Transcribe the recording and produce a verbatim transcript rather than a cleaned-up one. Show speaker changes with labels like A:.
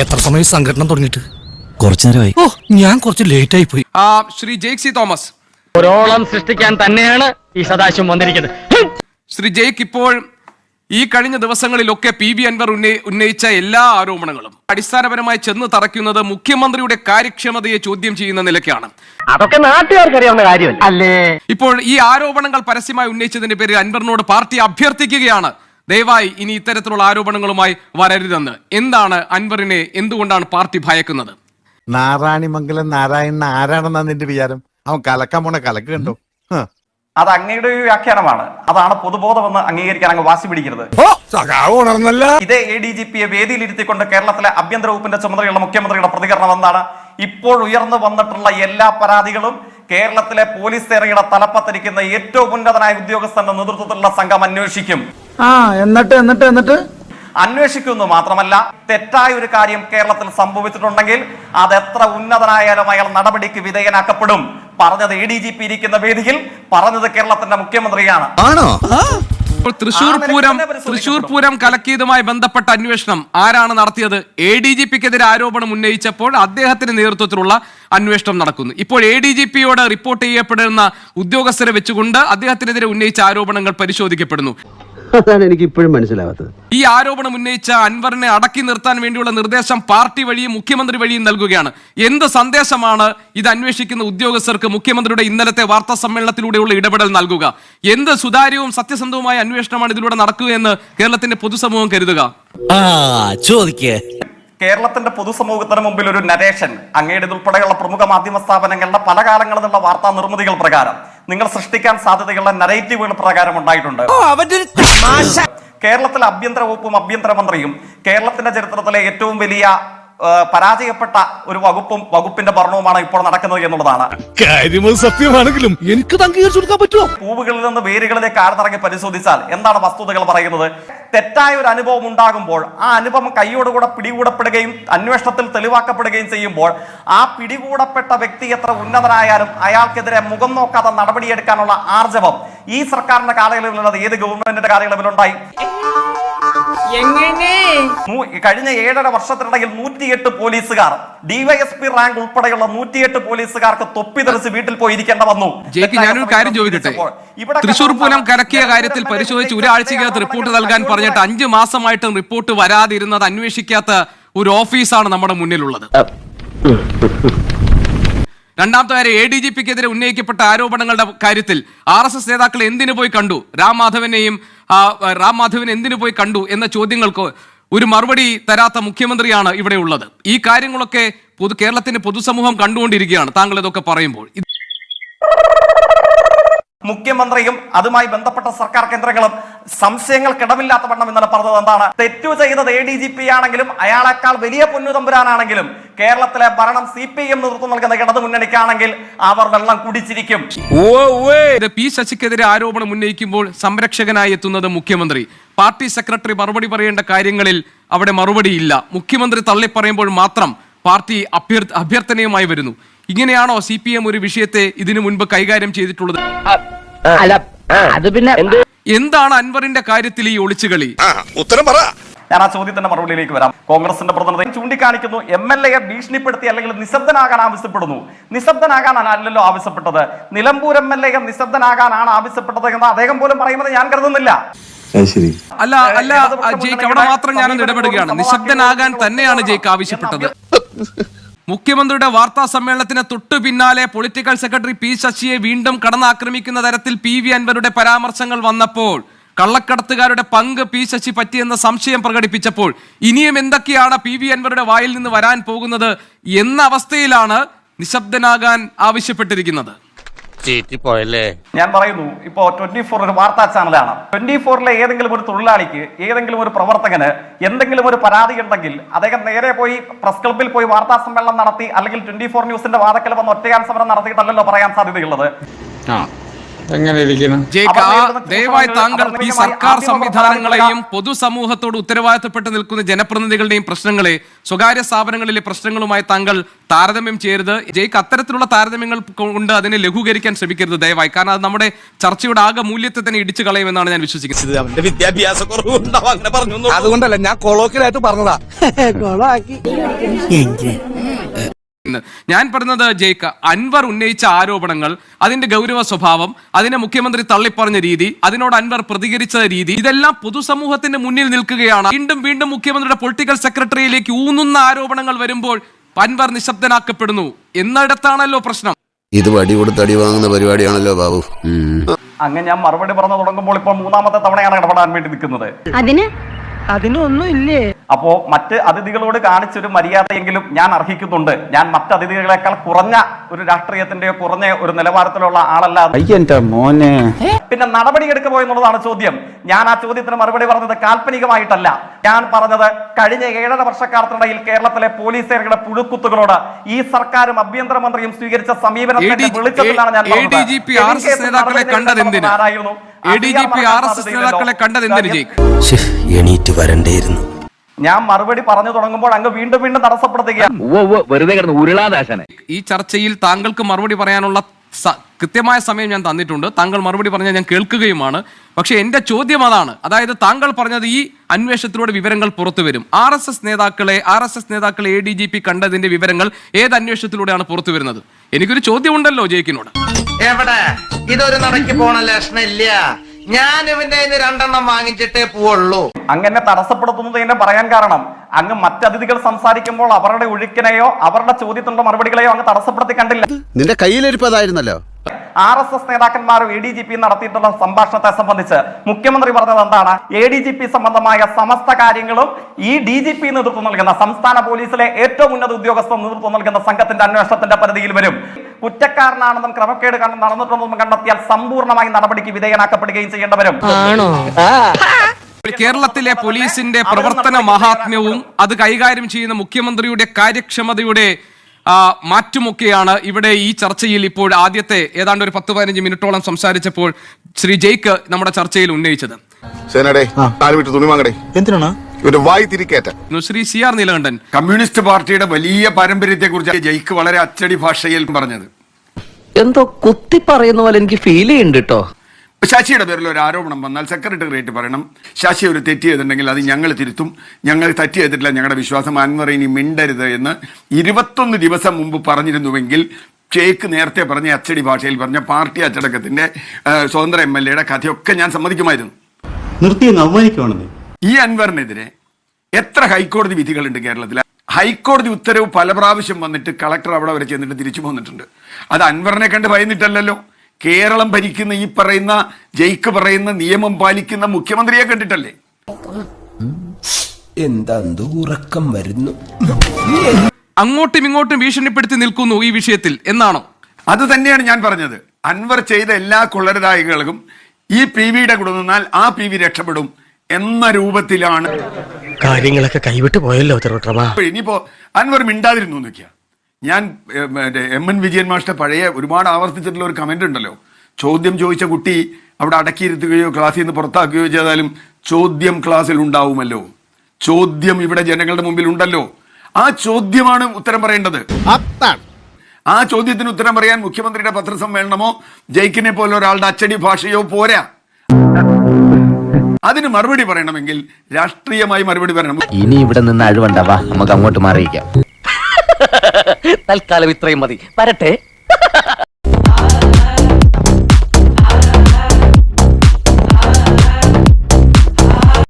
A: എത്ര സമയം സംഘടന തുടങ്ങിയിട്ട്?
B: കുറച്ചു നേരമായി.
A: ഓ, ഞാൻ കുറച്ച് ലേറ്റ് ആയി പോയി.
C: ശ്രീ ജെയ്ക് സി തോമസ്,
D: ഒരോളം സൃഷ്ടിക്കാൻ തന്നെയാണ് ഈ സദാശിവം വന്നിരിക്കുന്നത്.
C: ശ്രീ ജെയ്ക്ക്, ഇപ്പോൾ ഈ കഴിഞ്ഞ ദിവസങ്ങളിലൊക്കെ പി വി അൻവർ ഉന്നയിച്ച എല്ലാ ആരോപണങ്ങളും അടിസ്ഥാനപരമായി ചെന്ന് തറയ്ക്കുന്നത് മുഖ്യമന്ത്രിയുടെ കാര്യക്ഷമതയെ ചോദ്യം ചെയ്യുന്ന നിലയ്ക്കാണ്.
D: അതൊക്കെ നാട്ടുകാർക്ക് അറിയാവുന്ന കാര്യം അല്ലേ?
C: ഇപ്പോൾ ഈ ആരോപണങ്ങൾ പരസ്യമായി ഉന്നയിച്ചതിന്റെ പേരിൽ അൻവറിനോട് പാർട്ടി അഭ്യർത്ഥിക്കുകയാണ്, ദയവായി ഇനി ഇത്തരത്തിലുള്ള ആരോപണങ്ങളുമായി വരരുതെന്ന്. എന്താണ് അൻവറിനെ എന്തുകൊണ്ടാണ് പാർട്ടി ഭയക്കുന്നത്?
E: നാരായണിമംഗലം നാരായണൻ ആരാണെന്നാ നിന്റെ വിചാരം? അവൻ കലക്കാൻ പോണ കലക്ക് കണ്ടോ?
F: അത് അങ്ങയുടെ ഒരു വ്യാഖ്യാനമാണ്. അതാണ് പൊതുബോധമെന്ന് അംഗീകരിക്കാൻ അങ്ങ് വാശി പിടിക്കരുത്. ഇതേ എ ഡി ജി പിയെ വേദിയിലിരുത്തിക്കൊണ്ട് കേരളത്തിലെ ആഭ്യന്തര വകുപ്പിന്റെ ചുമതലയുള്ള മുഖ്യമന്ത്രിയുടെ പ്രതികരണം എന്താണ്? ഇപ്പോൾ ഉയർന്നു വന്നിട്ടുള്ള എല്ലാ പരാതികളും കേരളത്തിലെ പോലീസ് സേനയുടെ തലപ്പത്തിരിക്കുന്ന ഏറ്റവും ഉന്നതനായ ഉദ്യോഗസ്ഥന്റെ നേതൃത്വത്തിലുള്ള സംഘം അന്വേഷിക്കും.
G: ആ എന്നിട്ട് എന്നിട്ട് എന്നിട്ട്
F: അന്വേഷിക്കുന്നു മാത്രമല്ല, തെറ്റായ ഒരു കാര്യം കേരളത്തിൽ സംഭവിച്ചിട്ടുണ്ടെങ്കിൽ അത് എത്ര ഉന്നതനായാലും അയാൾ നടപടിക്ക് വിധേയനാക്കപ്പെടും. പറഞ്ഞത് എ ഡി ജി പി ഇരിക്കുന്ന വേദിയിൽ, പറഞ്ഞത് കേരളത്തിന്റെ മുഖ്യമന്ത്രിയാണ്.
C: തൃശൂർ പൂരം തൃശൂർ പൂരം കലക്കിയതുമായി ബന്ധപ്പെട്ട അന്വേഷണം ആരാണ് നടത്തിയത്? എ ഡി ജി പിക്കെതിരെ ആരോപണം ഉന്നയിച്ചപ്പോൾ അദ്ദേഹത്തിന്റെ നേതൃത്വത്തിലുള്ള അന്വേഷണം നടക്കുന്നു. ഇപ്പോൾ എ ഡി ജി പിയോട് റിപ്പോർട്ട് ചെയ്യപ്പെടുന്ന ഉദ്യോഗസ്ഥരെ വെച്ചുകൊണ്ട് അദ്ദേഹത്തിനെതിരെ ഉന്നയിച്ച ആരോപണങ്ങൾ പരിശോധിക്കപ്പെടുന്നു.
H: അതാണ് എനിക്ക് ഇപ്പോഴും മനസ്സിലാവാത്തത്.
C: ഈ ആരോപണം ഉന്നയിച്ച അൻവറിനെ അടക്കി നിർത്താൻ വേണ്ടിയുള്ള നിർദ്ദേശം പാർട്ടി വഴിയും മുഖ്യമന്ത്രി വഴിയും നൽകുകയാണ്. എന്ത് സന്ദേശമാണ് ഇത് അന്വേഷിക്കുന്ന ഉദ്യോഗസ്ഥർക്ക് മുഖ്യമന്ത്രിയുടെ ഇന്നലത്തെ വാർത്താ സമ്മേളനത്തിലൂടെയുള്ള ഇടപെടൽ നൽകുക? എന്ത് സുതാര്യവും സത്യസന്ധവുമായ അന്വേഷണമാണ് ഇതിലൂടെ നടക്കുകയെന്ന് കേരളത്തിന്റെ പൊതുസമൂഹം കരുതുക?
F: കേരളത്തിന്റെ പൊതുസമൂഹത്തിന് മുമ്പിൽ ഒരു നരേഷൻ, അങ്ങയുടെ ഉൾപ്പെടെയുള്ള പ്രമുഖ മാധ്യമ സ്ഥാപനങ്ങളുടെ പല കാലങ്ങളിലുള്ള വാർത്താ നിർമ്മിതികൾ പ്രകാരം നിങ്ങൾ സൃഷ്ടിക്കാൻ സാധ്യതയുള്ള നരേറ്റീവുകൾ പ്രകാരം ഉണ്ടായിട്ടുണ്ട്. കേരളത്തിലെ ആഭ്യന്തര വകുപ്പും ആഭ്യന്തരമന്ത്രിയും കേരളത്തിന്റെ ചരിത്രത്തിലെ ഏറ്റവും വലിയ പരാജയപ്പെട്ട ഒരു വകുപ്പും വകുപ്പിന്റെ ഭരണവുമാണ് ഇപ്പോൾ നടക്കുന്നത് എന്നുള്ളതാണ്.
A: സത്യമാണെങ്കിലും എനിക്ക് അംഗീകരിച്ചു കൊടുക്കാൻ പറ്റുമോ?
F: പൂവുകളിൽ നിന്ന് വേരുകളിലേക്ക് ആഴ്ന്നിറങ്ങി പരിശോധിച്ചാൽ എന്താണ് വസ്തുതകൾ പറയുന്നത്? തെറ്റായ ഒരു അനുഭവം ഉണ്ടാകുമ്പോൾ ആ അനുഭവം കൈയോടുകൂടെ പിടികൂടപ്പെടുകയും അന്വേഷണത്തിൽ തെളിവാക്കപ്പെടുകയും ചെയ്യുമ്പോൾ ആ പിടികൂടപ്പെട്ട വ്യക്തി എത്ര ഉന്നതനായാലും അയാൾക്കെതിരെ മുഖം നോക്കാതെ നടപടിയെടുക്കാനുള്ള ആർജവം ഈ സർക്കാരിന്റെ കാലയളവിലുള്ളത് ഏത് ഗവൺമെന്റിന്റെ കാലയളവിലുണ്ടായി? കഴിഞ്ഞ ഏഴര വർഷത്തിനിടയിൽ നൂറ്റിയെട്ട് പോലീസുകാർ, ഡിവൈഎസ്പി റാങ്ക് ഉൾപ്പെടെയുള്ള നൂറ്റിയെട്ട് പോലീസുകാർക്ക് തൊപ്പി തെറിച്ച് വീട്ടിൽ പോയി ഇരിക്കേണ്ട വന്നു.
C: ഞാനൊരു കാര്യം ചോദിക്കട്ടെ, തൃശൂർ പൂരം കലക്കിയ കാര്യത്തിൽ പരിശോധിച്ച് ഒരാഴ്ചക്കകത്ത് റിപ്പോർട്ട് നൽകാൻ പറഞ്ഞിട്ട് അഞ്ചു മാസമായിട്ടും റിപ്പോർട്ട് വരാതിരുന്നത് അന്വേഷിക്കാത്ത ഒരു ഓഫീസാണ് നമ്മുടെ മുന്നിലുള്ളത്. രണ്ടാമത്തെ കാര്യം, എ ഡി ജി പിക്കെതിരെ ഉന്നയിക്കപ്പെട്ട ആരോപണങ്ങളുടെ കാര്യത്തിൽ ആർ എസ് എസ് നേതാക്കൾ എന്തിനു പോയി കണ്ടു, രാം മാധവനെയും രാം മാധവൻ എന്തിനു പോയി കണ്ടു എന്ന ചോദ്യങ്ങൾക്ക് ഒരു മറുപടി തരാത്ത മുഖ്യമന്ത്രിയാണ് ഇവിടെ ഉള്ളത്. ഈ കാര്യങ്ങളൊക്കെ പൊതു കേരളത്തിന്റെ പൊതുസമൂഹം കണ്ടുകൊണ്ടിരിക്കുകയാണ് താങ്കൾ ഇതൊക്കെ പറയുമ്പോൾ.
F: മുഖ്യമന്ത്രിയും അതുമായി ബന്ധപ്പെട്ട സർക്കാർ കേന്ദ്രങ്ങളും സംശയങ്ങൾക്കിടമില്ലാത്ത വണ്ണം ഇന്നലെ പറഞ്ഞത് എന്താണ്? തെറ്റു ചെയ്തത് എ ഡി ജി പി ആണെങ്കിലും അയാളെക്കാൾ വലിയ പൊന്നുതമ്പുരാനാണെങ്കിലും കേരളത്തിലെ ഭരണം സി പി എം നേതൃത്വം നൽകുന്ന ഇടതു മുന്നണിക്കാണെങ്കിൽ അവർ വെള്ളം കുടിച്ചിരിക്കും.
C: പി ശശിക്കെതിരെ ആരോപണം ഉന്നയിക്കുമ്പോൾ സംരക്ഷകനായി എത്തുന്നത് മുഖ്യമന്ത്രി. പാർട്ടി സെക്രട്ടറി മറുപടി പറയേണ്ട കാര്യങ്ങളിൽ അവിടെ മറുപടിയില്ല. മുഖ്യമന്ത്രി തള്ളിപ്പറയുമ്പോൾ മാത്രം പാർട്ടി അഭ്യർ അഭ്യർത്ഥനയുമായി വരുന്നു. ഇങ്ങനെയാണോ സി പി എം ഒരു വിഷയത്തെ ഇതിനു മുൻപ് കൈകാര്യം ചെയ്തിട്ടുള്ളത്? എന്താണ് അൻവറിന്റെ കാര്യത്തിൽ ഈ ഒളിച്ചുകളി?
E: ഉത്തരം പറ.
F: ഞാൻ ആ ചോദ്യത്തിന്റെ മറുപടിയിലേക്ക് വരാം. കോൺഗ്രസിന്റെ പ്രതിനിധി ചൂണ്ടിക്കാണിക്കുന്നു, എം എൽ എയെ ഭീഷണിപ്പെടുത്തി അല്ലെങ്കിൽ നിശബ്ദനാകാൻ ആവശ്യപ്പെടുന്നു. നിശബ്ദനാകാനാണ് അല്ലല്ലോ ആവശ്യപ്പെട്ടത്. നിലമ്പൂർ എം എൽ എ നിശബ്ദനാകാനാണ് ആവശ്യപ്പെട്ടത് എന്ന് അദ്ദേഹം പോലും പറയുന്നത് ഞാൻ കരുതുന്നില്ല.
C: അല്ല അല്ല ജയ്ക്ക്, അവിടെ മാത്രം ഞാനൊന്ന് ഇടപെടുകയാണ്. നിശബ്ദനാകാൻ തന്നെയാണ് ജയ്ക്ക് ആവശ്യപ്പെട്ടത്. മുഖ്യമന്ത്രിയുടെ വാർത്താ സമ്മേളനത്തിന് തൊട്ടു പിന്നാലെ പൊളിറ്റിക്കൽ സെക്രട്ടറി പി ശശിയെ വീണ്ടും കടന്നാക്രമിക്കുന്ന തരത്തിൽ പി വി അൻവരുടെ പരാമർശങ്ങൾ വന്നപ്പോൾ, കള്ളക്കടത്തുകാരുടെ പങ്ക് പി ശശി പറ്റിയെന്ന സംശയം പ്രകടിപ്പിച്ചപ്പോൾ ഇനിയും എന്തൊക്കെയാണ് പി വി അൻവരുടെ വായിൽ നിന്ന് വരാൻ പോകുന്നത് എന്ന അവസ്ഥയിലാണ് നിശബ്ദനാകാൻ ആവശ്യപ്പെട്ടിരിക്കുന്നത്.
F: ഞാൻ പറയുന്നു, ഇപ്പോ ട്വന്റി ഫോർ ഒരു വാർത്താ ചാനലാണ്. ട്വന്റി ഫോറിലെ ഏതെങ്കിലും ഒരു തൊഴിലാളിക്ക്, ഏതെങ്കിലും ഒരു പ്രവർത്തകന് എന്തെങ്കിലും ഒരു പരാതി ഉണ്ടെങ്കിൽ അദ്ദേഹം നേരെ പോയി പ്രസ് ക്ലബിൽ പോയി വാർത്താ സമ്മേളനം നടത്തി അല്ലെങ്കിൽ ട്വന്റി ഫോർ ന്യൂസിന്റെ വാദക്കൽ വന്ന് ഒറ്റയാൻ സമരം നടത്തിയിട്ടല്ലല്ലോ പറയാൻ സാധ്യതയുള്ളത്.
C: ജയ്ക്ക് ആ ദയവായി താങ്കൾ ഈ സർക്കാർ സംവിധാനങ്ങളെയും പൊതുസമൂഹത്തോട് ഉത്തരവാദിത്തപ്പെട്ട് നിൽക്കുന്ന ജനപ്രതിനിധികളുടെയും പ്രശ്നങ്ങളെ സ്വകാര്യ സ്ഥാപനങ്ങളിലെ പ്രശ്നങ്ങളുമായി താങ്കൾ താരതമ്യം ചെയ്യരുത്. ജയ്ക്ക് അത്തരത്തിലുള്ള താരതമ്യങ്ങൾ കൊണ്ട് അതിനെ ലഘൂകരിക്കാൻ ശ്രമിക്കരുത് ദയവായി. കാരണം അത് നമ്മുടെ ചർച്ചയുടെ ആകെ മൂല്യത്തെ തന്നെ ഇടിച്ചു കളയുമെന്നാണ് ഞാൻ വിശ്വസിക്കുന്നത്.
A: അതുകൊണ്ടല്ല ഞാൻ കൊളോക്കിലായിട്ട് പറഞ്ഞതാ.
C: ഞാൻ പറഞ്ഞത് ജയ്ക്ക് അൻവർ ഉന്നയിച്ച ആരോപണങ്ങൾ, അതിന്റെ ഗൗരവ സ്വഭാവം, അതിനെ മുഖ്യമന്ത്രി തള്ളിപ്പറഞ്ഞ രീതി, അതിനോട് അൻവർ പ്രതികരിച്ച രീതി, ഇതെല്ലാം പൊതുസമൂഹത്തിന്റെ മുന്നിൽ നിൽക്കുകയാണ്. വീണ്ടും വീണ്ടും മുഖ്യമന്ത്രിയുടെ പൊളിറ്റിക്കൽ സെക്രട്ടറിയിലേക്ക് ഊന്നുന്ന ആരോപണങ്ങൾ വരുമ്പോൾ അൻവർ നിശബ്ദനാക്കപ്പെടുന്നു എന്നിടത്താണല്ലോ പ്രശ്നം.
B: ഇത് വടി കൊടുത്ത് അടി വാങ്ങുന്ന പരിപാടിയാണല്ലോ ബാബു.
F: അങ്ങനെ ഞാൻ മറുപടി പറഞ്ഞു തുടങ്ങുമ്പോൾ ഇപ്പോൾ മൂന്നാമത്തെ തവണയാണ് ഇടപെടാൻ വേണ്ടി നിൽക്കുന്നത്.
G: അതിന് അതിനൊന്നും ഇല്ലേ?
F: അപ്പോ മറ്റ് അതിഥികളോട് കാണിച്ചൊരു മര്യാദയെങ്കിലും ഞാൻ അർഹിക്കുന്നുണ്ട്. ഞാൻ മറ്റ് അതിഥികളെക്കാൾ കുറഞ്ഞ ഒരു രാഷ്ട്രീയത്തിന്റെ കുറഞ്ഞ ഒരു നിലവാരത്തിലുള്ള ആളല്ല.
G: മോനെ
F: പിന്നെ നടപടി എടുക്കുമോ എന്നുള്ളതാണ് ചോദ്യം. ഞാൻ ആ ചോദ്യത്തിന് മറുപടി പറഞ്ഞത് കാൽപ്പനികമായിട്ടല്ല. ഞാൻ പറഞ്ഞത് കഴിഞ്ഞ ഏഴര വർഷക്കാലത്തിനിടയിൽ കേരളത്തിലെ പോലീസുകാരുടെ പുഴുക്കുത്തുകളോട് ഈ സർക്കാരും ആഭ്യന്തരമന്ത്രിയും സ്വീകരിച്ച സമീപനത്തിന്റെ വെളിച്ചത്തിലാണ് ഞാൻ
C: ആരായിരുന്നു
B: എണീറ്റ് വരണ്ടേയിരുന്നു.
F: ഞാൻ മറുപടി പറഞ്ഞു തുടങ്ങുമ്പോൾ അങ്ങ് വീണ്ടും വീണ്ടും തടസ്സപ്പെടുത്തുകയാണ്.
C: ഈ ചർച്ചയിൽ താങ്കൾക്ക് മറുപടി പറയാനുള്ള കൃത്യമായ സമയം ഞാൻ തന്നിട്ടുണ്ട്. താങ്കൾ മറുപടി പറഞ്ഞാൽ ഞാൻ കേൾക്കുകയുമാണ്. പക്ഷെ എന്റെ ചോദ്യം അതാണ്. അതായത് താങ്കൾ പറഞ്ഞത് ഈ അന്വേഷണത്തിലൂടെ വിവരങ്ങൾ പുറത്തു വരും. ആർ എസ് എസ് നേതാക്കളെ ആർ എസ് എസ് നേതാക്കളെ എ ഡി ജി പി കണ്ടതിന്റെ വിവരങ്ങൾ ഏത് അന്വേഷണത്തിലൂടെയാണ് പുറത്തു വരുന്നത്? എനിക്കൊരു ചോദ്യമുണ്ടല്ലോ ജയിക്കിനോട്.
I: എവിടെ ഇതൊരു നടക്കി പോണ ലക്ഷണില്ല. ഞാൻ ഇവന്റെ രണ്ടെണ്ണം വാങ്ങിച്ചിട്ടേ പോവുള്ളൂ.
F: അങ്ങനെ തടസ്സപ്പെടുത്തുന്നത് എന്നെ പറയാൻ കാരണം അങ്ങ് മറ്റതിഥികൾ സംസാരിക്കുമ്പോൾ അവരുടെ ഒഴുക്കിനെയോ അവരുടെ ചോദ്യത്തിനുള്ള മറുപടികളെയോ അങ്ങ് തടസ്സപ്പെടുത്തി കണ്ടില്ല.
B: നിന്റെ കയ്യിലിരിപ്പതായിരുന്നല്ലോ.
F: ആർ എസ് എസ് നേതാക്കന്മാരും എ ഡി ജി പി നടത്തിയിട്ടുള്ള സംഭാഷണത്തെ സംബന്ധിച്ച് മുഖ്യമന്ത്രി പറഞ്ഞത് എന്താണ്? എ ഡി ജി പി സംബന്ധമായ സമസ്ത കാര്യങ്ങളും ഈ ഡി ജി പി നേതൃത്വം നൽകുന്ന സംസ്ഥാന പോലീസിലെ ഏറ്റവും ഉന്നത ഉദ്യോഗസ്ഥർ നേതൃത്വം നൽകുന്ന സംഘത്തിന്റെ അന്വേഷണത്തിന്റെ പരിധിയിൽ വരും. കുറ്റക്കാരനാണെന്നും ക്രമക്കേട് നടന്നിട്ടുണ്ടെന്നും കണ്ടെത്തിയാൽ സമ്പൂർണ്ണമായി നടപടിക്ക് വിധേയനാക്കപ്പെടുകയും ചെയ്യേണ്ടി വരും.
C: കേരളത്തിലെ പോലീസിന്റെ പ്രവർത്തന മഹാത്മ്യവും അത് കൈകാര്യം ചെയ്യുന്ന മുഖ്യമന്ത്രിയുടെ കാര്യക്ഷമതയുടെ മാറ്റുമൊക്കെയാണ് ഇവിടെ ഈ ചർച്ചയിൽ ഇപ്പോൾ ആദ്യത്തെ ഏതാണ്ട് ഒരു പത്ത് പതിനഞ്ച് മിനിറ്റോളം സംസാരിച്ചപ്പോൾ ശ്രീ ജയ്ക്ക് നമ്മുടെ ചർച്ചയിൽ ഉന്നയിച്ചത്. Shri C R Neelakandan,
J: communist party വലിയ പാരമ്പര്യത്തെ കുറിച്ച് ജയ്ക്ക് വളരെ അച്ചടി ഭാഷയിൽ പറഞ്ഞത്
D: എന്തോ കുത്തി പറയുന്ന പോലെ എനിക്ക് ഫീൽ ചെയ്യുന്നുണ്ട് കേട്ടോ.
J: ശശിയുടെ പേരിൽ ഒരു ആരോപണം വന്നാൽ സെക്രട്ടേറിയറ്റ് പറയണം, ശശി ഒരു തെറ്റ് ചെയ്തിട്ടുണ്ടെങ്കിൽ അത് ഞങ്ങൾ തിരുത്തും, ഞങ്ങൾ തെറ്റ് ചെയ്തിട്ടില്ല, ഞങ്ങളുടെ വിശ്വാസം അൻവർ ഇനി മിണ്ടരുത് എന്ന് ഇരുപത്തൊന്ന് ദിവസം മുമ്പ് പറഞ്ഞിരുന്നുവെങ്കിൽ ജയ്ക്ക് നേരത്തെ പറഞ്ഞ അച്ചടി ഭാഷയിൽ പറഞ്ഞ പാർട്ടി അച്ചടക്കത്തിന്റെ സ്വതന്ത്ര എം എൽ എയുടെ കഥയൊക്കെ ഞാൻ സമ്മതിക്കുമായിരുന്നു. ഈ അൻവറിനെതിരെ എത്ര ഹൈക്കോടതി വിധികളുണ്ട് കേരളത്തിൽ? ഹൈക്കോടതി ഉത്തരവ് പല പ്രാവശ്യം വന്നിട്ട് കളക്ടർ അവിടെ വരെ ചെന്നിട്ട് തിരിച്ചു പോന്നിട്ടുണ്ട്. അത് അൻവറിനെ കണ്ട് ഭയന്നിട്ടല്ലോ. കേരളം ഭരിക്കുന്ന ഈ പറയുന്ന ജയ്ക്ക് പറയുന്ന നിയമം പാലിക്കുന്ന മുഖ്യമന്ത്രിയെ കണ്ടിട്ടല്ലേ.
B: എന്താ ഉറക്കം വരുന്നു.
C: അങ്ങോട്ടും ഇങ്ങോട്ടും ഭീഷണിപ്പെടുത്തി നിൽക്കുന്നു ഈ വിഷയത്തിൽ എന്നാണോ?
J: അത് തന്നെയാണ് ഞാൻ പറഞ്ഞത്. അൻവർ ചെയ്ത എല്ലാ കൊള്ളരുതായ്കളും ഈ പി വിയുടെ കൂടെ നിന്നാൽ ആ പി വി രക്ഷപ്പെടും എന്ന രൂപത്തിലാണ്
D: കാര്യങ്ങളൊക്കെ കൈവിട്ട് പോയല്ലോ.
J: ഇനിയിപ്പോ അൻവർ മിണ്ടാതിരുന്നു നോക്കിയാ, ഞാൻ എം എൻ വിജയൻ മാസ്റ്റർ പഴയ ഒരുപാട് ആവർത്തിച്ചിട്ടുള്ള ഒരു കമന്റ് ഉണ്ടല്ലോ, ചോദ്യം ചോദിച്ച കുട്ടി അവിടെ അടക്കിയിരുത്തുകയോ ക്ലാസ്സിൽ നിന്ന് പുറത്താക്കുകയോ ചെയ്താലും ചോദ്യം ക്ലാസ്സിൽ ഉണ്ടാവുമല്ലോ. ചോദ്യം ഇവിടെ ജനങ്ങളുടെ മുമ്പിൽ ഉണ്ടല്ലോ. ആ ചോദ്യമാണ് ഉത്തരം പറയേണ്ടത്. ആ ചോദ്യത്തിന് ഉത്തരം പറയാൻ മുഖ്യമന്ത്രിയുടെ പത്രസമ്മേളനമോ ജയ്ക്കിനെ പോലെ ഒരാളുടെ അച്ചടി ഭാഷയോ പോരാ. അതിന് മറുപടി പറയണമെങ്കിൽ രാഷ്ട്രീയമായി മറുപടി പറയണം.
D: ഇനി ഇവിടെ നിന്ന് അഴിവണ്ടാവാ, നമുക്ക് അങ്ങോട്ട് മാറിയിക്കാം. തൽക്കാലം ഇത്രയും മതി. വരട്ടെ.